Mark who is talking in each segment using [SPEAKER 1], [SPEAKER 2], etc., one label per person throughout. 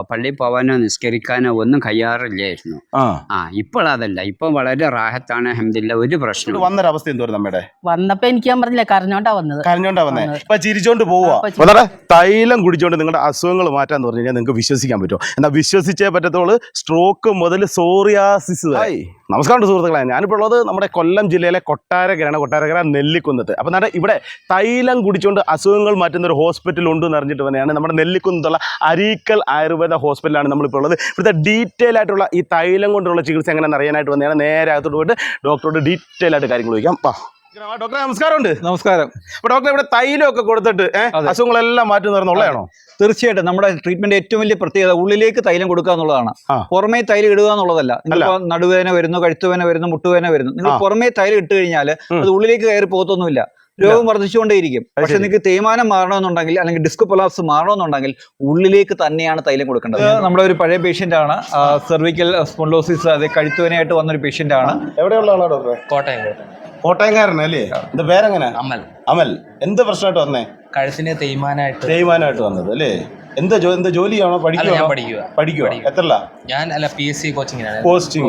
[SPEAKER 1] പള്ളിയിൽ പോവാനോ നിസ്കരിക്കാനോ ഒന്നും കഴിയാറില്ലായിരുന്നു. ഇപ്പോൾ അതല്ല, ഇപ്പൊ വളരെ റാഹത്താണ്, അൽഹംദുലില്ലാ, ഒരു പ്രശ്നം.
[SPEAKER 2] വന്നൊരവസ്ഥ എന്തോരം നമ്മുടെ
[SPEAKER 3] വന്നപ്പോ എനിക്ക് ഞാൻ പറഞ്ഞില്ല, കരഞ്ഞോണ്ടാ
[SPEAKER 2] വന്നേ ഇപ്പൊ ചിരിച്ചോണ്ട് പോവാ. തൈലം കുടിച്ചോണ്ട് നിങ്ങളുടെ അസുഖങ്ങൾ മാറ്റാന്ന് പറഞ്ഞു കഴിഞ്ഞാൽ നിങ്ങൾക്ക് വിശ്വസിക്കാൻ പറ്റുമോ? എന്നാൽ വിശ്വസിച്ചേ പറ്റത്തുള്ളൂ. സ്ട്രോക്ക് മുതൽ സോറിയാസിസ്. നമസ്കാരം സുഹൃത്തുക്കളെ, ഞാനിപ്പോൾ ഉള്ളത് നമ്മുടെ കൊല്ലം ജില്ലയിലെ കൊട്ടാരക്കര നെല്ലിക്കുന്നത്ത്. അപ്പം എന്നാൽ ഇവിടെ തൈലം കുടിച്ചുകൊണ്ട് അസുഖങ്ങൾ മാറ്റുന്ന ഒരു ഹോസ്പിറ്റൽ ഉണ്ടെന്ന് അറിഞ്ഞിട്ട് തന്നെയാണ് നമ്മുടെ നെല്ലിക്കുന്നത്തുള്ള അരീക്കൽ ആയുർവേദ ഹോസ്പിറ്റലാണ് നമ്മളിപ്പോൾ ഉള്ളത്. ഇവിടുത്തെ ഡീറ്റെയിൽ ആയിട്ടുള്ള ഈ തൈലം കൊണ്ടുള്ള ചികിത്സ എങ്ങനെയാണെന്ന് അറിയാനായിട്ട് വന്നതാണ്. നേരെ അകത്തോട്ട് പോയിട്ട് ഡോക്ടറോട് ഡീറ്റെയിൽ ആയിട്ട് കാര്യങ്ങൾ ചോദിക്കാം. ഡോക്ടറെ നമസ്കാരമുണ്ട്.
[SPEAKER 4] നമസ്കാരം.
[SPEAKER 2] അപ്പൊ ഡോക്ടറെ ഇവിടെ തൈലമൊക്കെ കൊടുത്തിട്ട് അസുഖങ്ങളെല്ലാം മാറ്റുന്നതാണുള്ളതാണോ?
[SPEAKER 4] തീർച്ചയായിട്ടും. നമ്മുടെ ട്രീറ്റ്മെന്റ് ഏറ്റവും വലിയ പ്രത്യേകത ഉള്ളിലേക്ക് തൈലം കൊടുക്കുക എന്നുള്ളതാണ്. പുറമേ തൈലം ഇടുക എന്നുള്ളതല്ല. നിങ്ങൾ നടുവേദന വരുന്നു, കഴുത്തുവേദന വരുന്നു, മുട്ടുവേദന വരുന്നു, നിങ്ങൾ പുറമേ തൈലം ഇട്ട് കഴിഞ്ഞാൽ അത് ഉള്ളിലേക്ക് കയറി പോകത്തൊന്നുമില്ല. രോഗം വർദ്ധിച്ചുകൊണ്ടേയിരിക്കും. പക്ഷെ നിങ്ങൾക്ക് തേയ്മാനം മാറണമെന്നുണ്ടെങ്കിൽ അല്ലെങ്കിൽ ഡിസ്ക് കൊളാപ്സ് മാറണമെന്നുണ്ടെങ്കിൽ ഉള്ളിലേക്ക് തന്നെയാണ് തൈലം കൊടുക്കേണ്ടത്. നമ്മുടെ ഒരു പഴയ പേഷ്യന്റ് ആണ്, സെർവിക്കൽ സ്പോണ്ടിലോസിസ്, അതെ, കഴുത്തുവേനയായിട്ട് വന്നൊരു പേഷ്യന്റ് ആണ്.
[SPEAKER 2] എവിടെയുള്ള ആളാണ് ഡോക്ടറെ? കോട്ടയംകാരനല്ലേ? എന്റെ പേരെങ്ങനെ? അമൽ. എന്ത് പ്രശ്നമായിട്ട് വന്നേ?
[SPEAKER 5] കഴുത്തിന്
[SPEAKER 2] തേയ്മാനമായിട്ട് വന്നത് അല്ലേ? എന്താ ജോലിയാണോ? പഠിക്കുക? എത്രല്ല?
[SPEAKER 5] ഞാൻ PSC കോച്ചിങ്ങിനാണ്.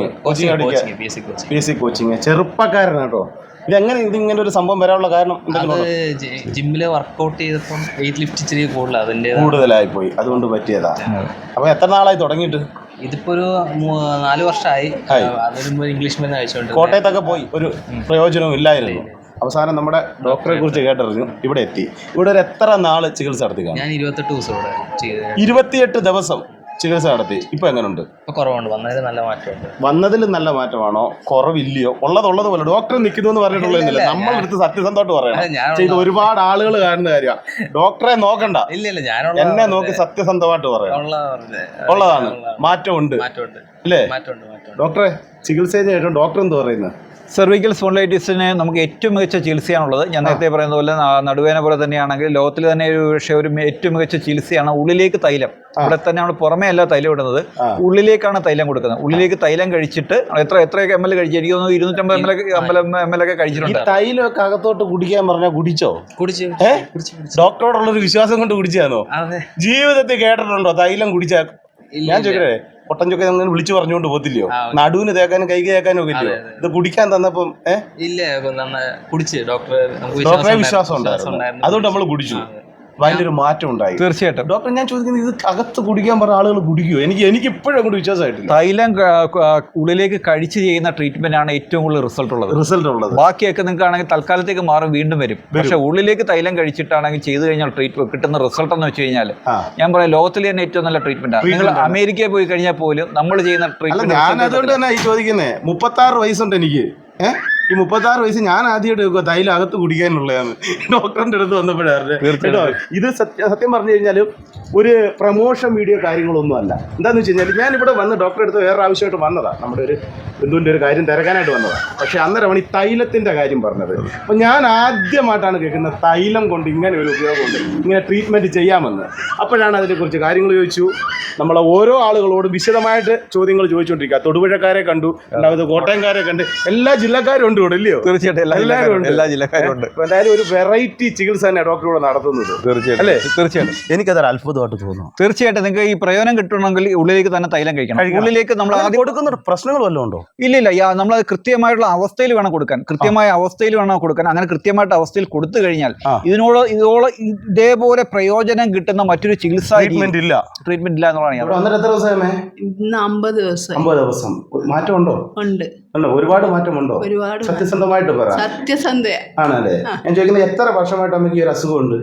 [SPEAKER 2] PSC കോച്ചിങ്. ചെറുപ്പക്കാരനാട്ടോ. ഇതെങ്ങനെ ഇതിങ്ങനെ ഒരു സംഭവം വരാനുള്ള കാരണം?
[SPEAKER 5] ജിമ്മില് വർക്ക്ഔട്ട് ചെയ്തപ്പോൾ വെയിറ്റ് ലിഫ്റ്റ് ഇച്ചിരി
[SPEAKER 2] കൂടുതലായി പോയി, അതുകൊണ്ട് പറ്റിയതാ. അപ്പൊ എത്ര നാളായി തുടങ്ങിയിട്ട്?
[SPEAKER 5] ഇതിപ്പോ ഒരു 4 വർഷമായി. അതിന് മുമ്പ് ഇംഗ്ലീഷ് മരുന്ന് കഴിച്ചോണ്ട്
[SPEAKER 2] കോട്ടയത്തൊക്കെ പോയി, ഒരു പ്രയോജനവും ഇല്ലായിരുന്നു. അവസാനം നമ്മുടെ ഡോക്ടറെ കുറിച്ച് കേട്ടറിഞ്ഞു, ഇവിടെ എത്തി. ഇവിടെ ഒരു എത്ര നാള് ചികിത്സ നടത്തി?
[SPEAKER 5] ഞാൻ 28 ദിവസം ഇവിടെ
[SPEAKER 2] 28 ദിവസം ചികിത്സ നടത്തി. ഇപ്പൊ എങ്ങനെയുണ്ട്?
[SPEAKER 5] കുറവുണ്ട്.
[SPEAKER 2] വന്നതിൽ നല്ല മാറ്റമാണോ? കുറവില്ലയോ? ഉള്ളത് പോലെ ഡോക്ടർ നിൽക്കുന്നു എന്ന് പറഞ്ഞിട്ടുള്ളതില്ല. നമ്മളെടുത്ത് സത്യസന്ധമായിട്ട് പറയണം. ചെയ്ത് ഒരുപാട് ആളുകൾ കാണുന്ന കാര്യമാണ്. ഡോക്ടറെ നോക്കണ്ട, എന്നെ നോക്കി സത്യസന്ധമായിട്ട് പറയാം. ഉള്ളതാണ്. മാറ്റമുണ്ട് അല്ലേ? ഡോക്ടറെ ചികിത്സ ഡോക്ടർ എന്ത് പറയുന്നത്?
[SPEAKER 4] സെർവിക്കൽ സ്പോണ്ടിലൈറ്റിസിന് നമുക്ക് ഏറ്റവും മികച്ച ചികിത്സയാണുള്ളത്. ഞാൻ നേരത്തെ പറയുന്ന പോലെ നടുവേന പോലെ തന്നെയാണെങ്കിൽ ലോകത്തിൽ തന്നെ ഒരു ഏറ്റവും മികച്ച ചികിത്സയാണ് ഉള്ളിലേക്ക് തൈലം. ഇവിടെ തന്നെ നമ്മൾ പുറമേ അല്ല തൈലം ഇടുന്നത്, ഉള്ളിലേക്കാണ് തൈലം കൊടുക്കുന്നത്. ഉള്ളിലേക്ക് തൈലം കഴിച്ചിട്ട് എത്രയൊക്കെ ml കഴിച്ചു? എനിക്ക് തോന്നുന്നു 250 ml ഒക്കെ കഴിച്ചിട്ടുണ്ട്.
[SPEAKER 2] തൈലമൊക്കെ അകത്തോട്ട് കുടിക്കാൻ പറഞ്ഞാൽ കുടിച്ചോ? ഡോക്ടറോടുള്ളൊരു വിശ്വാസം കൊണ്ട് കുടിച്ചാന്നോ? ജീവിതത്തിൽ കേട്ടിട്ടുണ്ടോ തൈലം കുടിച്ചാൽ? ഞാൻ ചോദിക്കട്ടെ, പൊട്ടഞ്ചൊക്കെ അങ്ങനെ വിളിച്ചു പറഞ്ഞുകൊണ്ട് പോകത്തില്ലയോ? നടുവിന് തേക്കാനും കൈക്ക് തേക്കാനും ഒക്കെ ഇല്ലയോ? ഇത് കുടിക്കാൻ തന്നപ്പം ഡോക്ടറെ വിശ്വാസം ഉണ്ടായിരുന്നു, അതുകൊണ്ട് നമ്മൾ കുടിച്ചു. അതിന്റെ ഒരു മാറ്റം ഉണ്ടായി.
[SPEAKER 4] തീർച്ചയായിട്ടും.
[SPEAKER 2] ഡോക്ടർ, ഞാൻ ചോദിക്കുന്നത്, ഇത് അകത്ത് കുടിക്കാൻ പറഞ്ഞ ആളുകൾ കുടിക്കുമോ? എനിക്ക് ഇപ്പോഴും അങ്ങോട്ട് വിശ്വാസമായിട്ടില്ല.
[SPEAKER 4] തൈലം ഉള്ളിലേക്ക് കഴിച്ച് ചെയ്യുന്ന ട്രീറ്റ്മെന്റ് ആണ് ഏറ്റവും കൂടുതൽ റിസൾട്ട് ഉള്ളത്. ബാക്കിയൊക്കെ നിങ്ങൾക്ക് ആണെങ്കിൽ തൽക്കാലത്തേക്ക് മാറും, വീണ്ടും വരും. പക്ഷെ ഉള്ളിലേക്ക് തൈലം കഴിച്ചിട്ടാണെങ്കിൽ ചെയ്തു കഴിഞ്ഞാൽ കിട്ടുന്ന റിസൾട്ട് എന്ന് വെച്ച് കഴിഞ്ഞാൽ ഞാൻ പറയാം, ലോകത്തിലെ തന്നെ ഏറ്റവും നല്ല ട്രീറ്റ്മെന്റ് ആണ്. നിങ്ങൾ അമേരിക്കയിൽ പോയി കഴിഞ്ഞാൽ പോലും നമ്മൾ ചെയ്യുന്ന ട്രീറ്റ്മെന്റ്.
[SPEAKER 2] ഞാൻ അതുകൊണ്ട് തന്നെ ഈ ചോദിക്കുന്നത്, 36 വയസ്സുണ്ട് എനിക്ക്. ഈ 36 വയസ്സ് ഞാൻ ആദ്യമായിട്ട് വെക്കുക തൈലം അകത്ത് കുടിക്കാനുള്ളതാണ്. ഡോക്ടറിന്റെ അടുത്ത് വന്നപ്പോഴാണ് കേട്ടോ. ഇത് സത്യം പറഞ്ഞു കഴിഞ്ഞാൽ ഒരു പ്രമോഷൻ വീഡിയോ കാര്യങ്ങളൊന്നും അല്ല. എന്താന്ന് വെച്ച് കഴിഞ്ഞാൽ ഞാനിവിടെ വന്ന് ഡോക്ടറെ അടുത്ത് വേറെ ആവശ്യമായിട്ട് വന്നതാണ്, നമ്മുടെ ഒരു ബന്ധുവിൻ്റെ ഒരു കാര്യം തിരക്കാനായിട്ട് വന്നതാണ്. പക്ഷെ അന്നേരമാണ് ഈ തൈലത്തിൻ്റെ കാര്യം പറഞ്ഞത്. അപ്പം ഞാൻ ആദ്യമായിട്ടാണ് കേൾക്കുന്നത് തൈലം കൊണ്ട് ഇങ്ങനെ ഒരു ഉപയോഗമുണ്ട്, ഇങ്ങനെ ട്രീറ്റ്മെൻറ്റ് ചെയ്യാമെന്ന്. അപ്പോഴാണ് അതിനെക്കുറിച്ച് കാര്യങ്ങൾ ചോദിച്ചു. നമ്മളെ ഓരോ ആളുകളോടും വിശദമായിട്ട് ചോദ്യങ്ങൾ ചോദിച്ചുകൊണ്ടിരിക്കുക. തൊടുപുഴക്കാരെ കണ്ടു, രണ്ടാമത് കോട്ടയംകാരെ കണ്ട്, എല്ലാ ജില്ലക്കാരും ഉണ്ട് ഇവിടെ, ഇല്ലയോ?
[SPEAKER 4] തീർച്ചയായിട്ടും എല്ലാ ജില്ലക്കാരും ഉണ്ട്.
[SPEAKER 2] എന്തായാലും ഒരു വെറൈറ്റി ചികിത്സ തന്നെ ഡോക്ടറോട് നടത്തുന്നത്.
[SPEAKER 4] തീർച്ചയായിട്ടും അല്ലേ? തീർച്ചയായിട്ടും.
[SPEAKER 2] എനിക്കതൊരു അത്ഭുതമായിട്ട് തോന്നുന്നു.
[SPEAKER 4] തീർച്ചയായിട്ടും. നിങ്ങൾക്ക് ഈ പ്രയോജനം കിട്ടണമെങ്കിൽ ഉള്ളിലേക്ക് തന്നെ തൈലം കഴിക്കണം. ഉള്ളിലേക്ക് നമ്മൾ ആദ്യം കൊടുക്കുന്ന
[SPEAKER 2] പ്രശ്നങ്ങൾ വല്ലതും ഉണ്ടോ?
[SPEAKER 4] ഇല്ല. നമ്മൾ നമ്മളത് അവസ്ഥയിൽ വേണം കൊടുക്കാൻ. കൃത്യമായ അവസ്ഥയിൽ വേണം കൊടുക്കാൻ. അങ്ങനെ കൃത്യമായിട്ട് അവസ്ഥയിൽ കൊടുത്തു കഴിഞ്ഞാൽ ഇതേപോലെ പ്രയോജനം കിട്ടുന്ന മറ്റൊരു ചികിത്സ ട്രീറ്റ്മെന്റ് ഇല്ല എന്നുള്ളതാണ്.
[SPEAKER 2] 50 ദിവസം മാറ്റമുണ്ടോ?
[SPEAKER 3] ഉണ്ട്.
[SPEAKER 2] ഒരുപാട് മാറ്റമുണ്ടോ? സത്യസന്ധമായിട്ട് പറ. ആണല്ലേ? ഞാൻ ചോദിക്കുന്നത്, എത്ര വർഷമായിട്ട് അമ്മയ്ക്ക് ഈ ഒരു അസുഖമുണ്ട്?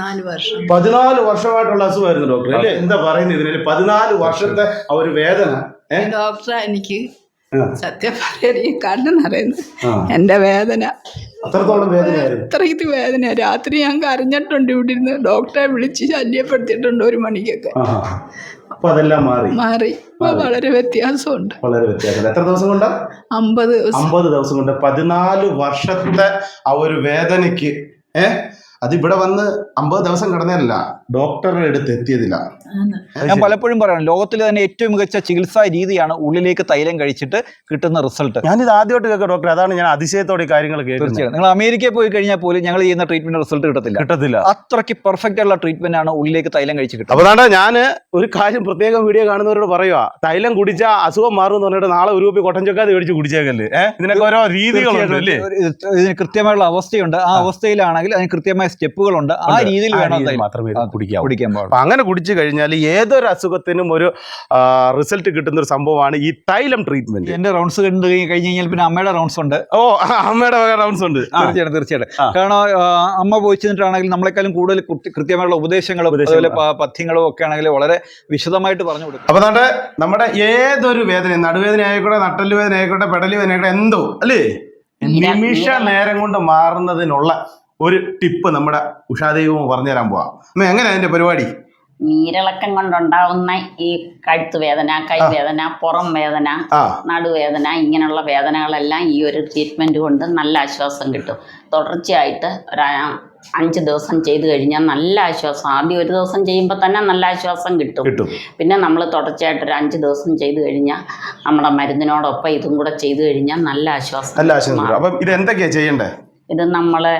[SPEAKER 2] 14 വർഷമായിട്ടുള്ള അസുഖമായിരുന്നു ഡോക്ടർ അല്ലേ? എന്താ പറയുന്നത് ഇതിന്? 14 വർഷത്തെ ആ ഒരു വേദന.
[SPEAKER 3] ഡോക്ടറെ, എനിക്ക് സത്യം പറയാൻ കാരണം അറിയുന്നത് എന്റെ വേദന
[SPEAKER 2] അത്രത്തോളം വേദനയായിരുന്നു.
[SPEAKER 3] അത്രയ്ക്ക് വേദന. രാത്രി ഞാൻ കരഞ്ഞിട്ടുണ്ട് ഇവിടെ ഇരുന്ന്. ഡോക്ടറെ വിളിച്ച് ശല്യപ്പെടുത്തിയിട്ടുണ്ട് 1 മണിക്കൊക്കെ.
[SPEAKER 2] അപ്പൊ അതെല്ലാം മാറി.
[SPEAKER 3] വളരെ വ്യത്യാസമുണ്ട്.
[SPEAKER 2] എത്ര ദിവസം കൊണ്ടാ?
[SPEAKER 3] 50
[SPEAKER 2] ദിവസം കൊണ്ട് 14 വർഷത്തെ ആ ഒരു വേദനയ്ക്ക് അത് ഇവിടെ വന്ന് 50 ദിവസം കിടന്നതല്ല, ഡോക്ടറുടെ അടുത്ത് എത്തിയതില്ല.
[SPEAKER 4] ഞാൻ പലപ്പോഴും പറയണം, ലോകത്തിലെ തന്നെ ഏറ്റവും മികച്ച ചികിത്സാ രീതിയാണ് ഉള്ളിലേക്ക് തൈലം കഴിച്ചിട്ട് കിട്ടുന്ന റിസൾട്ട്.
[SPEAKER 2] ഞാനിത് ആദ്യമായിട്ട് കേൾക്കാം ഡോക്ടർ, അതാണ് ഞാൻ അതിശയത്തോടെ ഈ കാര്യങ്ങൾ കേൾക്കുന്നത്.
[SPEAKER 4] തീർച്ചയായും നിങ്ങൾ അമേരിക്കയിൽ പോയി കഴിഞ്ഞാൽ പോലും ഞങ്ങൾ ചെയ്യുന്ന ട്രീറ്റ്മെന്റ് റിസൾട്ട് കിട്ടത്തില്ല. അത്രയ്ക്ക് പെർഫെക്റ്റ് ആയിട്ടുള്ള ട്രീറ്റ്മെന്റ് ആണ് ഉള്ളിലേക്ക് തൈലം കഴിച്ച് കിട്ടുന്നത്.
[SPEAKER 2] അപ്പോൾ അതാണ് ഞാൻ ഒരു കാര്യം പ്രത്യേകം വീഡിയോ കാണുന്നവരോട് പറയുക, തൈലം കുടിച്ചാൽ അസുഖം മാറും എന്ന് പറഞ്ഞിട്ട് നാളെ ഒരു രൂപ കൊട്ടൻ ചൊക്കാതെ മേടിച്ച് കുടിച്ചേക്കല്ലേ. ഇതിനൊക്കെ ഓരോ രീതികളുണ്ട് അല്ലേ?
[SPEAKER 4] ഇതിന് കൃത്യമായുള്ള അവസ്ഥയുണ്ട്. ആ അവസ്ഥയിലാണെങ്കിൽ അതിന് കൃത്യമായ സ്റ്റെപ്പുകളുണ്ട്. ആ രീതിയിൽ വേണം
[SPEAKER 2] മാത്രമേ കുടിക്കാൻ
[SPEAKER 4] പാടുള്ളൂ.
[SPEAKER 2] അങ്ങനെ കുടിച്ചു കഴിഞ്ഞാൽ ഏതൊരു അസുഖത്തിനും ഒരു റിസൾട്ട് കിട്ടുന്ന ഒരു സംഭവമാണ് ഈ തൈലം ട്രീറ്റ്മെന്റ്.
[SPEAKER 4] എന്റെ റൗണ്ട്സ് കണ്ടു കഴിഞ്ഞ് കഴിഞ്ഞാൽ പിന്നെ അമ്മയുടെ റൗണ്ട്സ് ഉണ്ട്.
[SPEAKER 2] അമ്മയുടെ റൗണ്ട്സ് ഉണ്ട്.
[SPEAKER 4] തീർച്ചയായിട്ടും. കാരണം അമ്മ പോയി ചെന്നിട്ടാണെങ്കിൽ നമ്മളെക്കാളും കൂടുതൽ കൃത്യമായുള്ള ഉപദേശങ്ങളും അതുപോലെ പഥ്യങ്ങളും ഒക്കെ ആണെങ്കിൽ വളരെ വിശദമായിട്ട് പറഞ്ഞു കൊടുക്കും.
[SPEAKER 2] അപ്പൊ നമ്മുടെ ഏതൊരു വേദന, നടുവേദന ആയിക്കോട്ടെ, നട്ടല് വേദന ആയിക്കോട്ടെ, പെടലി വേദന ആയിക്കോട്ടെ, എന്തോ അല്ലേ, നിമിഷ നേരം കൊണ്ട് മാറുന്നതിനുള്ള ഒരു ടിപ്പ് നമ്മുടെ ഉഷാദേവും പറഞ്ഞു തരാൻ പോവാം. എങ്ങനെയാ അതിന്റെ പരിപാടി?
[SPEAKER 6] നീരിളക്കം കൊണ്ടുണ്ടാവുന്ന ഈ കഴുത്ത് വേദന, കൈവേദന, പുറം വേദന, നടുവേദന, ഇങ്ങനെയുള്ള വേദനകളെല്ലാം ഈ ഒരു ട്രീറ്റ്മെന്റ് കൊണ്ട് നല്ല ആശ്വാസം കിട്ടും. തുടർച്ചയായിട്ട് ഒരു 5 ദിവസം ചെയ്തു കഴിഞ്ഞാൽ നല്ല ആശ്വാസം. ആദ്യം ഒരു ദിവസം ചെയ്യുമ്പോൾ തന്നെ നല്ല ആശ്വാസം കിട്ടും. പിന്നെ നമ്മൾ തുടർച്ചയായിട്ട് ഒരു 5 ദിവസം ചെയ്തു കഴിഞ്ഞാൽ നമ്മുടെ മരുന്നിനോടൊപ്പം ഇതും കൂടെ ചെയ്തു കഴിഞ്ഞാൽ നല്ല ആശ്വാസം.
[SPEAKER 2] അപ്പം ഇത് എന്തൊക്കെയാ ചെയ്യണ്ടേ?
[SPEAKER 6] ഇത് നമ്മള്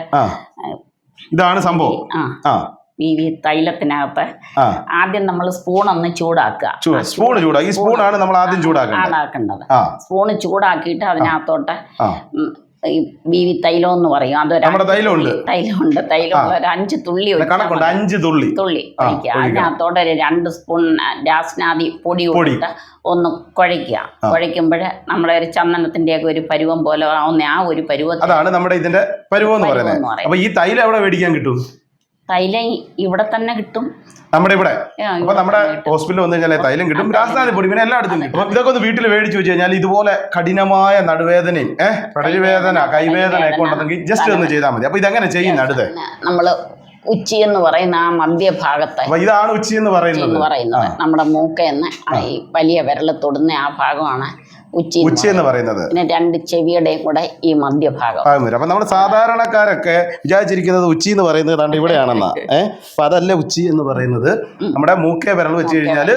[SPEAKER 2] ഇതാണ് സംഭവം.
[SPEAKER 6] ഈ തൈലത്തിനകത്ത് ആദ്യം നമ്മൾ സ്പൂൺ ഒന്ന് ചൂടാക്കുക.
[SPEAKER 2] ഈ സ്പൂണാണ് നമ്മൾ ആദ്യം
[SPEAKER 6] ചൂടാക്കേണ്ടത്. സ്പൂണ് ചൂടാക്കിയിട്ട് അതിനകത്തോട്ട് ഈ ബീവി തൈലം എന്ന് പറയും, അതൊരു തൈലമുണ്ട്. ഒരു 5 തുള്ളി ഒഴിക്കുക. അതിനകത്തോടെ 2 സ്പൂൺ രാസ്നാദി പൊടി ഇട്ടിട്ട് ഒന്ന് കുഴയ്ക്കുക. കുഴയ്ക്കുമ്പോൾ നമ്മളെ ഒരു ചന്ദനത്തിന്റെ ഒക്കെ ഒരു പരുവം പോലെ ആവുന്ന ആ ഒരു പരുവം,
[SPEAKER 2] അതാണ് നമ്മുടെ ഇതിന്റെ പരുവം എന്ന് പറയുന്നത്. അപ്പൊ ഈ തൈലം എവിടെ മേടിക്കാൻ കിട്ടും?
[SPEAKER 6] തൈലം ഇവിടെ തന്നെ കിട്ടും,
[SPEAKER 2] നമ്മുടെ ഇവിടെ. അപ്പൊ നമ്മുടെ ഹോസ്പിറ്റലിൽ വന്നു കഴിഞ്ഞാൽ തൈലം കിട്ടും, രാസനാദി പൊടി, പിന്നെ എല്ലായിടത്തും കിട്ടും. അപ്പൊ ഇതൊക്കെ ഒന്ന് വീട്ടിൽ മേടിച്ചു വെച്ച് കഴിഞ്ഞാൽ ഇതുപോലെ കഠിനമായ നടുവേദനയും പെടലിവേദന, കൈവേദന ഒക്കെ ഉണ്ടെങ്കിൽ ജസ്റ്റ് ഒന്ന് ചെയ്താൽ മതി. അപ്പൊ ഇതെങ്ങനെ ചെയ്യുന്ന അടുത്ത്
[SPEAKER 6] നമ്മള് ഉച്ചി എന്ന് പറയുന്ന ആ മധ്യഭാഗത്ത്,
[SPEAKER 2] ഇതാണ് ഉച്ചി എന്ന് പറയുന്നത്.
[SPEAKER 6] നമ്മുടെ മൂക്കെന്ന് ഈ വലിയ വിരൽ തൊടുന്ന ആ ഭാഗമാണ് ഉച്ചി
[SPEAKER 2] എന്ന് പറയുന്നത്.
[SPEAKER 6] പിന്നെ 2 ചെവിയുടെയും കൂടെ ഈ മധ്യഭാഗം.
[SPEAKER 2] അപ്പൊ നമ്മൾ സാധാരണക്കാരൊക്കെ വിചാരിച്ചിരിക്കുന്നത് ഉച്ചി എന്ന് പറയുന്നത് ഇവിടെയാണെന്നാ. അപ്പൊ അതല്ല ഉച്ചി എന്ന് പറയുന്നത്. നമ്മുടെ മൂക്കേ വിരൽ വെച്ച് കഴിഞ്ഞാൽ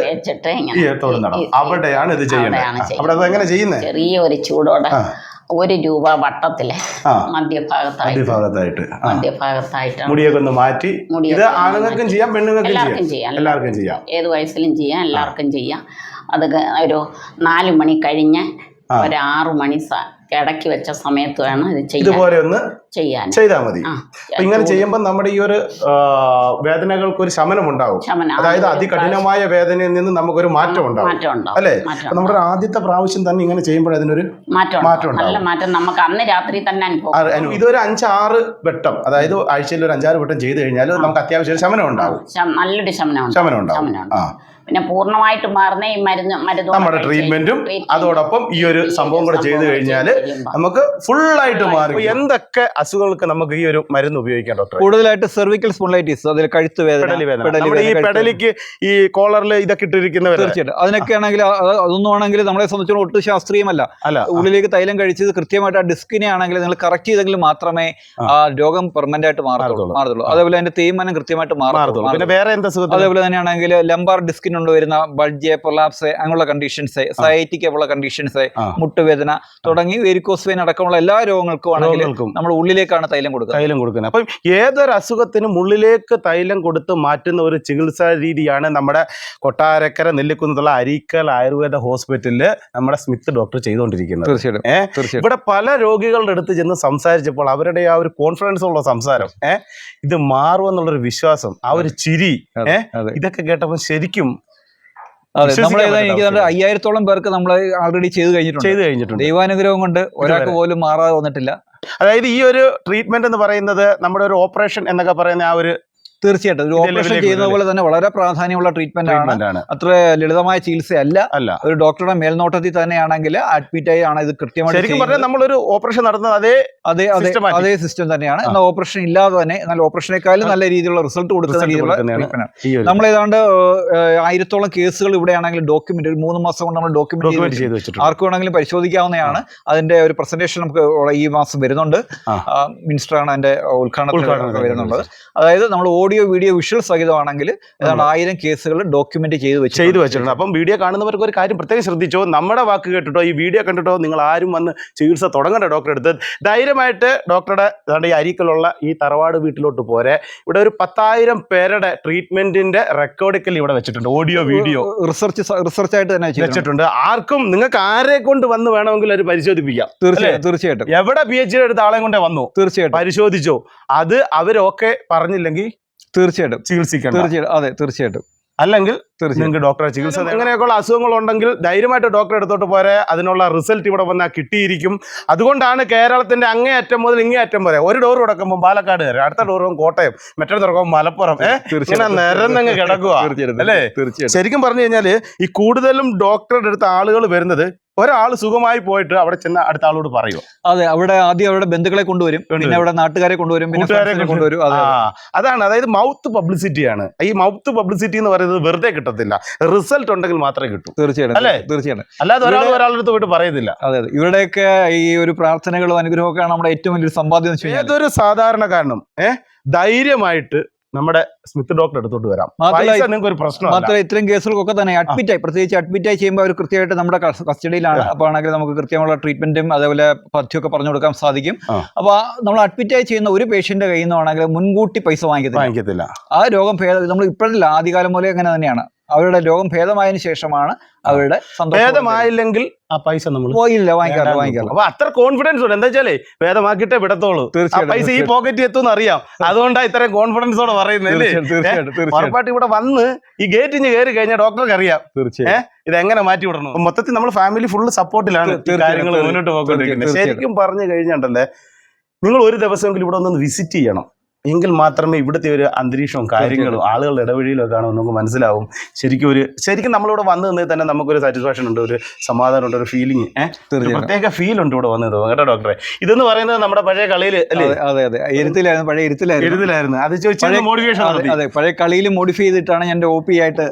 [SPEAKER 2] അവിടെയാണ് ഇത് ചെയ്യുന്നത്. അവിടെ എങ്ങനെ ചെയ്യുന്നത്?
[SPEAKER 6] ചെറിയ ഒരു ചൂടോടെ 1 രൂപ വട്ടത്തില് മധ്യഭാഗത്തായിട്ട്
[SPEAKER 2] മുടിയൊക്കെ ഒന്ന് മാറ്റി. ഇത് ആണുങ്ങൾക്കും ചെയ്യാം, പെണ്ണുങ്ങൾക്കും എല്ലാവർക്കും ചെയ്യാം.
[SPEAKER 6] ഏത് വയസ്സിലും ചെയ്യാം, എല്ലാവർക്കും ചെയ്യാം. അത് ഒരു 4 മണി കഴിഞ്ഞ് ഒരു 6 മണി ഇടയ്ക്ക് വെച്ച സമയത്ത് വേണം ഇത്
[SPEAKER 2] ഇതുപോലെ ഒന്ന് ചെയ്താൽ മതി. ഇങ്ങനെ ചെയ്യുമ്പോൾ നമ്മുടെ ഈ ഒരു വേദനകൾക്ക് ഒരു ശമനം ഉണ്ടാവും. അതായത് അതികഠിനമായ വേദനയിൽ നിന്ന് നമുക്കൊരു മാറ്റം ഉണ്ടാവും അല്ലേ? നമ്മുടെ ആദ്യത്തെ പ്രാവശ്യം തന്നെ ഇങ്ങനെ ചെയ്യുമ്പോൾ അതിനൊരു മാറ്റം ഉണ്ടാവും.
[SPEAKER 6] നമുക്ക് അന്ന് രാത്രി തന്നെ അനുഭവം.
[SPEAKER 2] ഇതൊരു 5-6 വട്ടം, അതായത് ആഴ്ചയിൽ ഒരു 5-6 വട്ടം ചെയ്ത് കഴിഞ്ഞാൽ നമുക്ക് അത്യാവശ്യം ശമനം ഉണ്ടാവും.
[SPEAKER 6] നല്ലൊരു ശമനം ഉണ്ടാവും. പിന്നെ പൂർണ്ണമായിട്ട് മാറുന്ന ഈ മരുന്ന്
[SPEAKER 2] നമ്മുടെ ട്രീറ്റ്മെന്റും അതോടൊപ്പം ഈ ഒരു സംഭവം കൂടെ ചെയ്ത് കഴിഞ്ഞാൽ നമുക്ക് ഫുള്ളായിട്ട് മാറും. എന്തൊക്കെ അസുഖങ്ങൾക്ക് നമുക്ക് ഈ ഒരു മരുന്ന് ഉപയോഗിക്കാം ഡോക്ടർ?
[SPEAKER 4] കൂടുതലായിട്ട് സെർവിക്കൽ സ്പോണ്ടിലൈറ്റിസ്, അതിൽ കഴുത്ത് വേദന,
[SPEAKER 2] ഈ പെടലിക്ക് ഈ കോളറിൽ ഇതൊക്കെ ഇട്ടിരിക്കുന്നവർ,
[SPEAKER 4] തീർച്ചയായിട്ടും അതിനൊക്കെ ആണെങ്കിൽ അതൊന്നും ആണെങ്കിൽ നമ്മളെ സംബന്ധിച്ചോളം ഒട്ടും ശാസ്ത്രീയമല്ല. ഉള്ളിലേക്ക് തൈലം കഴിച്ചത് കൃത്യമായിട്ട് ആ ഡിസ്കിനെ ആണെങ്കിൽ നിങ്ങൾ കറക്റ്റ് ചെയ്തെങ്കിൽ മാത്രമേ ആ രോഗം പെർമനന്റ് ആയിട്ട് മാറത്തുള്ളൂ. അതേപോലെ അതിന്റെ തേയ്മാനം കൃത്യമായിട്ട് മാറത്തുള്ളൂ.
[SPEAKER 2] പിന്നെ വേറെ എന്താ അസുഖം?
[SPEAKER 4] അതേപോലെ തന്നെയാണെങ്കിൽ ലംബാർ ഡിസ്കിന് വരുന്ന ബൾജ്, പൊലാപ്സ് അങ്ങനെയുള്ള കണ്ടീഷൻസ്, സയറ്റിക് പോലുള്ള കണ്ടീഷൻസ്, മുട്ടുവേദന തുടങ്ങി വെരിക്കോസ് വെയിൻ അടക്കമുള്ള എല്ലാ രോഗങ്ങൾക്കും നമ്മൾ ഉള്ളിലേക്കാണ് തൈലം കൊടുക്കുന്നത്.
[SPEAKER 2] അപ്പം ഏതൊരു അസുഖത്തിനും ഉള്ളിലേക്ക് തൈലം കൊടുത്ത് മാറ്റുന്ന ഒരു ചികിത്സാ രീതിയാണ് നമ്മുടെ കൊട്ടാരക്കര നെല്ലിക്കുന്നത്തുള്ള അരീക്കൽ ആയുർവേദ ഹോസ്പിറ്റലില് നമ്മുടെ സ്മിത്ത് ഡോക്ടർ ചെയ്തുകൊണ്ടിരിക്കുന്നത്.
[SPEAKER 4] തീർച്ചയായിട്ടും
[SPEAKER 2] ഇവിടെ പല രോഗികളുടെ അടുത്ത് ചെന്ന് സംസാരിച്ചപ്പോൾ അവരുടെ ആ ഒരു കോൺഫിഡൻസ് ഉള്ള സംസാരം, ഇത് മാറുമെന്നുള്ളൊരു വിശ്വാസം, ആ ഒരു ചിരി, ഇതൊക്കെ കേട്ടപ്പോൾ ശരിക്കും
[SPEAKER 4] അതെ, നമ്മൾ എനിക്ക് 5000-ഓളം പേർക്ക് നമ്മൾ ആൾറെഡി ചെയ്ത് കഴിഞ്ഞിട്ടുണ്ട്. ദൈവാനുഗ്രഹം കൊണ്ട് ഒരാൾക്ക് പോലും മാറാതെ വന്നിട്ടില്ല.
[SPEAKER 2] അതായത് ഈ ഒരു ട്രീറ്റ്മെന്റ് എന്ന് പറയുന്നത് നമ്മുടെ ഒരു ഓപ്പറേഷൻ എന്നൊക്കെ പറയുന്ന ആ ഒരു
[SPEAKER 4] തീർച്ചയായിട്ടും ഒരു ഓപ്പറേഷൻ ചെയ്യുന്ന പോലെ തന്നെ വളരെ പ്രാധാന്യമുള്ള ട്രീറ്റ്മെന്റ് ആണ്. അത്ര ലളിതമായ ചികിത്സയല്ല. ഒരു ഡോക്ടറുടെ മേൽനോട്ടത്തിൽ തന്നെയാണെങ്കിൽ അഡ്മിറ്റ് ആയി ആണ് ഇത് കൃത്യമായിട്ട്
[SPEAKER 2] നമ്മളൊരു ഓപ്പറേഷൻ നടന്നത്
[SPEAKER 4] അതേ സിസ്റ്റം തന്നെയാണ്. എന്നാൽ ഓപ്പറേഷൻ ഇല്ലാതെ തന്നെ എന്നാൽ ഓപ്പറേഷനേക്കാളും നല്ല രീതിയിലുള്ള റിസൾട്ട് കൊടുക്കുന്ന രീതിയിലുള്ള ട്രീറ്റ്മെന്റ്. നമ്മൾ ഏതാണ്ട് 1000-ഓളം കേസുകൾ ഇവിടെയാണെങ്കിൽ ഡോക്യുമെന്റ് ഒരു 3 മാസം കൊണ്ട് നമ്മൾ ഡോക്യുമെന്റ് ചെയ്ത് വെച്ചിട്ടുണ്ട്. ആർക്ക് വേണമെങ്കിലും പരിശോധിക്കാവുന്നതാണ്. അതിന്റെ ഒരു പ്രസന്റേഷൻ നമുക്ക് ഈ മാസം വരുന്നുണ്ട്. മിനിസ്റ്ററാണ് അതിന്റെ ഉദ്ഘാടനത്തിൽ വരുന്നുള്ളത്. അതായത് നമ്മൾ ഓഡിയോ വീഡിയോ വിഷ്വൽ സഹിതമാണെങ്കിൽ ഏതാണ്ട് 1000 കേസുകൾ ഡോക്യുമെന്റ് ചെയ്ത് വെച്ചിട്ടുണ്ട്.
[SPEAKER 2] അപ്പം വീഡിയോ കാണുന്നവർക്ക് ഒരു കാര്യം പ്രത്യേകം ശ്രദ്ധിച്ചോ, നമ്മുടെ വാക്ക് കേട്ടിട്ടോ ഈ വീഡിയോ കണ്ടിട്ടോ നിങ്ങൾ ആരും വന്ന് ചികിത്സ തുടങ്ങേണ്ട. ഡോക്ടറെ അടുത്ത് ധൈര്യമായിട്ട് ഡോക്ടറുടെ ഈ അരീക്കലുള്ള ഈ തറവാട് വീട്ടിലോട്ട് പോരെ. ഇവിടെ ഒരു 10,000 പേരുടെ ട്രീറ്റ്മെന്റിന്റെ റെക്കോർഡിക്കൽ ഇവിടെ വെച്ചിട്ടുണ്ട്. ഓഡിയോ വീഡിയോ
[SPEAKER 4] റിസർച്ച് ആയിട്ട് തന്നെ
[SPEAKER 2] വെച്ചിട്ടുണ്ട്. ആർക്കും നിങ്ങൾക്ക് ആരെ കൊണ്ട് വന്ന് വേണമെങ്കിൽ അത് പരിശോധിപ്പിക്കാം.
[SPEAKER 4] തീർച്ചയായിട്ടും
[SPEAKER 2] എവിടെ PhD എടുത്ത ആളെ കൊണ്ടേ വന്നു, തീർച്ചയായിട്ടും പരിശോധിച്ചോ. അത് അവരൊക്കെ പറഞ്ഞില്ലെങ്കിൽ
[SPEAKER 4] തീർച്ചയായിട്ടും
[SPEAKER 2] ചികിത്സിക്കണം.
[SPEAKER 4] അതെ തീർച്ചയായിട്ടും.
[SPEAKER 2] അല്ലെങ്കിൽ നിങ്ങൾക്ക് ഡോക്ടറെ ചികിത്സ അങ്ങനെയൊക്കെയുള്ള അസുഖങ്ങൾ ഉണ്ടെങ്കിൽ ധൈര്യമായിട്ട് ഡോക്ടറെ അടുത്തോട്ട് പോരെ. അതിനുള്ള റിസൾട്ട് ഇവിടെ വന്നാൽ കിട്ടിയിരിക്കും. അതുകൊണ്ടാണ് കേരളത്തിന്റെ അങ്ങേയറ്റം മുതൽ ഇങ്ങേയറ്റം വരെ ഒരു ഡോർ തുറക്കുമ്പോൾ പാലക്കാട് കയറി, അടുത്ത ഡോർ കോട്ടയം, മറ്റേ തുറക്കുമ്പോൾ മലപ്പുറം, ഇങ്ങനെ നിരന്നങ്ങ് കിടക്കുക അല്ലേ. ശരിക്കും പറഞ്ഞു കഴിഞ്ഞാല് ഈ കൂടുതലും ഡോക്ടറുടെ അടുത്ത് ആളുകൾ വരുന്നത് ഒരാൾ സുഖമായി പോയിട്ട് അവിടെ ചെന്ന് അടുത്ത ആളോട് പറയുമോ.
[SPEAKER 4] അതെ, അവിടെ ആദ്യം അവിടെ ബന്ധുക്കളെ കൊണ്ടുവരും, പിന്നെ അവിടെ നാട്ടുകാരെ കൊണ്ടുവരും, കൂട്ടുകാരെ കൊണ്ടുവരും.
[SPEAKER 2] അതാണ്, അതായത് മൗത്ത് പബ്ലിസിറ്റിയാണ്. ഈ മൗത്ത് പബ്ലിസിറ്റി എന്ന് പറയുന്നത് വെറുതെ കിട്ടത്തില്ല, റിസൾട്ട് ഉണ്ടെങ്കിൽ മാത്രമേ കിട്ടൂ.
[SPEAKER 4] തീർച്ചയായിട്ടും
[SPEAKER 2] അല്ലേ,
[SPEAKER 4] തീർച്ചയായിട്ടും.
[SPEAKER 2] അല്ലാതെ ഒരാളുടെ അടുത്ത് പോയിട്ട് പറയുന്നില്ല.
[SPEAKER 4] അതെ, ഇവരുടെയൊക്കെ ഈ ഒരു പ്രാർത്ഥനകളും അനുഗ്രഹമൊക്കെയാണ് നമ്മുടെ ഏറ്റവും വലിയൊരു സമ്പാദ്യം.
[SPEAKER 2] ഏതൊരു സാധാരണക്കാരനും ധൈര്യമായിട്ട് നമ്മുടെ സ്മിത്ത് ഡോക്ടർ അടുത്തോട്ട് വരാം. നിങ്ങൾക്ക് ഒരു പ്രശ്നം
[SPEAKER 4] മാത്രമല്ല, ഇത്തരം കേസുകൾക്കൊക്കെ തന്നെ അഡ്മിറ്റായി, പ്രത്യേകിച്ച് അഡ്മിറ്റായി ചെയ്യുമ്പോൾ അവർ കൃത്യമായിട്ട് നമ്മുടെ കസ്റ്റഡിയിലാണ്. അപ്പോൾ ആണെങ്കിൽ നമുക്ക് കൃത്യമുള്ള ട്രീറ്റ്മെന്റും അതേപോലെ പഥ്യമൊക്കെ പറഞ്ഞു കൊടുക്കാൻ സാധിക്കും. അപ്പോൾ നമ്മൾ അഡ്മിറ്റായി ചെയ്യുന്ന ഒരു പേഷ്യന്റ് കയ്യിൽ നിന്നാണെങ്കിൽ മുൻകൂട്ടി പൈസ വാങ്ങിക്കത്തില്ല. ആ രോഗം ഭേദം നമ്മൾ ഇപ്പോഴല്ല, ആദ്യകാലം പോലെ അങ്ങനെ തന്നെയാണ്. അവരുടെ രോഗം ഭേദമായതിനു ശേഷമാണ് അവരുടെ
[SPEAKER 2] ഭേദമായില്ലെങ്കിൽ ആ പൈസ നമ്മൾ
[SPEAKER 4] വാങ്ങിക്കാറില്ല.
[SPEAKER 2] അപ്പൊ അത്ര കോൺഫിഡൻസ് ഉണ്ട്. എന്താ വെച്ചാലേ ഭേദമാക്കിയിട്ടേ വിടത്തോളൂ, പൈസ ഈ പോക്കറ്റിൽ എത്തും അറിയാം. അതുകൊണ്ടാണ് ഇത്രയും കോൺഫിഡൻസോടെ പറയുന്നത്. ഉറപ്പായിട്ട് ഇവിടെ വന്ന് ഈ ഗേറ്റിന് കയറി കഴിഞ്ഞാൽ ഡോക്ടർക്ക് അറിയാം ഇത് എങ്ങനെ മാറ്റി വിടണം. മൊത്തത്തിൽ നമ്മൾ ഫാമിലി ഫുള്ള് സപ്പോർട്ടിലാണ് കാര്യങ്ങൾ മുന്നോട്ട് പോയിക്കൊണ്ടിരിക്കുന്നത്. ശരിക്കും പറഞ്ഞു കഴിഞ്ഞാണ്ടല്ലേ, നിങ്ങൾ ഒരു ദിവസമെങ്കിലും ഇവിടെ ഒന്ന് വിസിറ്റ് ചെയ്യണം. എങ്കിൽ മാത്രമേ ഇവിടുത്തെ ഒരു അന്തരീക്ഷവും കാര്യങ്ങളും ആളുകളുടെ ഇടവഴിയിലും ഒക്കെ ആണെന്ന് നമുക്ക് മനസ്സിലാവും. ശരിക്കും നമ്മളിവിടെ വന്നു നിന്നേ തന്നെ നമുക്കൊരു സാറ്റിസ്ഫാക്ഷൻ ഉണ്ട്, ഒരു സമാധാനം ഉണ്ട്, ഒരു ഫീലിംഗ്, പ്രത്യേക ഫീൽ ഉണ്ട് ഇവിടെ വന്നത്. കേട്ടോ ഡോക്ടറെ, ഇതെന്ന് പറയുന്നത് നമ്മുടെ പഴയ കളിയിൽ അല്ലേ?
[SPEAKER 4] അതെ, പഴയ ഇരുത്തിലായിരുന്നു.
[SPEAKER 2] അത് ചോദിച്ചാൽ മോഡിഫിക്കേഷൻ,
[SPEAKER 4] അതെ, പഴയ കളിയിൽ മോഡിഫൈ ചെയ്തിട്ടാണ് ഞാൻ OP ആയിട്ട്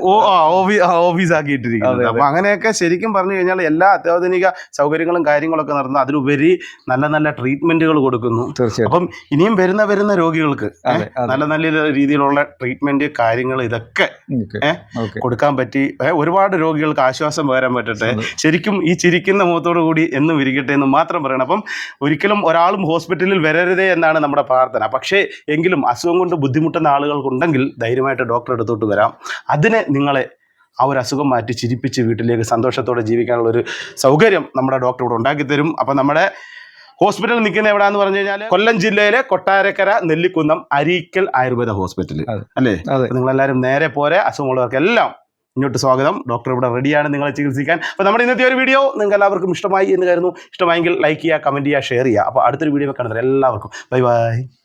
[SPEAKER 2] ഓഫീസ് ആക്കിയിട്ടിരിക്കുന്നത്. അപ്പൊ അങ്ങനെയൊക്കെ ശരിക്കും പറഞ്ഞു കഴിഞ്ഞാൽ എല്ലാ അത്യാധുനിക സൗകര്യങ്ങളും കാര്യങ്ങളൊക്കെ നടന്നു. അതിലുപരി നല്ല നല്ല ട്രീറ്റ്മെന്റുകൾ കൊടുക്കുന്നു. അപ്പം ഇനിയും വരുന്ന രോഗികൾക്ക് നല്ല നല്ല രീതിയിലുള്ള ട്രീറ്റ്മെന്റ് കാര്യങ്ങൾ ഇതൊക്കെ കൊടുക്കാൻ പറ്റി ഒരുപാട് രോഗികൾക്ക് ആശ്വാസം പകരാൻ പറ്റട്ടെ. ശരിക്കും ഈ ചിരിക്കുന്ന മുഖത്തോടു കൂടി എന്നും ഇരിക്കട്ടെ എന്ന് മാത്രം പറയണം. അപ്പം ഒരിക്കലും ഒരാളും ഹോസ്പിറ്റലിൽ വരരുതേ എന്നാണ് നമ്മുടെ പ്രാർത്ഥന. പക്ഷേ എങ്കിലും അസുഖം കൊണ്ട് ബുദ്ധിമുട്ടുന്ന ആളുകൾക്കുണ്ടെങ്കിൽ ധൈര്യമായിട്ട് ഡോക്ടറെ അടുത്തോട്ട് വരാം. അതിനെ നിങ്ങളെ ആ ഒരു അസുഖം മാറ്റി ചിരിപ്പിച്ച് വീട്ടിലേക്ക് സന്തോഷത്തോടെ ജീവിക്കാനുള്ളൊരു സൗകര്യം നമ്മുടെ ഡോക്ടർ ഇവിടെ ഉണ്ടാക്കിത്തരും. അപ്പം നമ്മുടെ ഹോസ്പിറ്റൽ നിൽക്കുന്ന എവിടെയാന്ന് പറഞ്ഞു കഴിഞ്ഞാൽ കൊല്ലം ജില്ലയിലെ കൊട്ടാരക്കര നെല്ലിക്കുന്നം അരീക്കൽ ആയുർവേദ ഹോസ്പിറ്റൽ അല്ലേ. നിങ്ങളെല്ലാവരും നേരെ പോരെ. അസുഖമുള്ളവർക്കെല്ലാം ഇങ്ങോട്ട് സ്വാഗതം. ഡോക്ടർ ഇവിടെ റെഡിയാണ് നിങ്ങളെ ചികിത്സിക്കാൻ. അപ്പോൾ നമ്മുടെ ഇന്നത്തെ ഒരു വീഡിയോ നിങ്ങൾക്ക് എല്ലാവർക്കും ഇഷ്ടമായി എന്ന് കരുതുന്നു. ഇഷ്ടമായെങ്കിൽ ലൈക്ക് ചെയ്യുക, കമൻറ്റ് ചെയ്യുക, ഷെയർ ചെയ്യുക. അപ്പോൾ അടുത്തൊരു വീഡിയോ കാണുന്നത് എല്ലാവർക്കും ബൈ ബൈ.